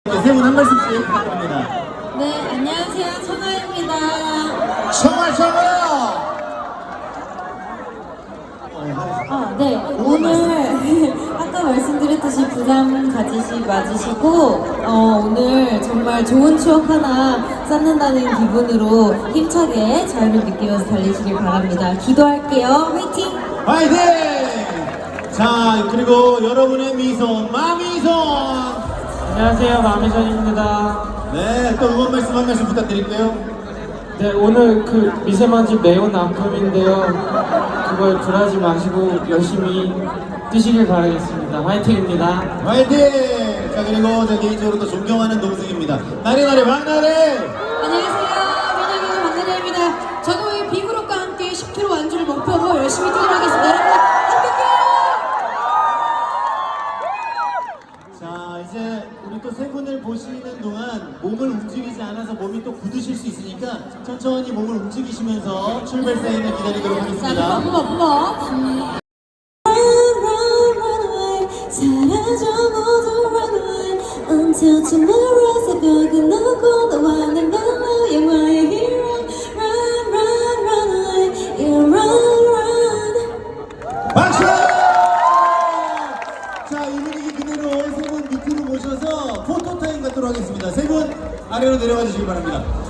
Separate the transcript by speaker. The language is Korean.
Speaker 1: 세 분 한 말씀씩 부탁드립니다.
Speaker 2: 네, 안녕하세요. 청아입니다.
Speaker 1: 청아!
Speaker 2: 네, 오늘 아까 말씀드렸듯이 부담 가지시 마시고 오늘 정말 좋은 추억 하나 쌓는다는 기분으로 힘차게 자유를 느끼면서 달리시길 바랍니다. 기도할게요. 화이팅!
Speaker 1: 화이팅! 자, 그리고 여러분의 미소, 마미손!
Speaker 3: 안녕하세요, 마미션입니다.
Speaker 1: 네, 또 응원 말씀 한 말씀 부탁드릴게요.
Speaker 3: 네, 오늘 그 미세먼지 매운 아픔인데요. 그걸 굴하지 마시고 열심히 뛰시길 바라겠습니다. 화이팅입니다.
Speaker 1: 화이팅! 자, 그리고 저 개인적으로 또 존경하는 동생입니다. 나래나래 막나래!
Speaker 2: 안녕하세요. 민혁이는 박나래입니다. 저도 이 비그룹과 함께 10km 완주를 목표로 열심히 뛰도록 하겠습니다. 여러분, 함께해요!
Speaker 1: 자, 이제 우리 또 세 분을 보시는 동안 몸을 움직이지 않아서 몸이 또 굳으실 수 있으니까 천천히 몸을 움직이시면서 출발 사인을 기다리도록 하겠습니다.
Speaker 2: 사라져 모두 run away until tomorrow 새벽은 오고 너와 난 달라 영화의 hero run run run away yeah run run
Speaker 1: 박수! 자, 이 분위기 그대로 세 분 밑으로 모셔서 포토타임 갖도록 하겠습니다. 세 분 아래로 내려와 주시기 바랍니다.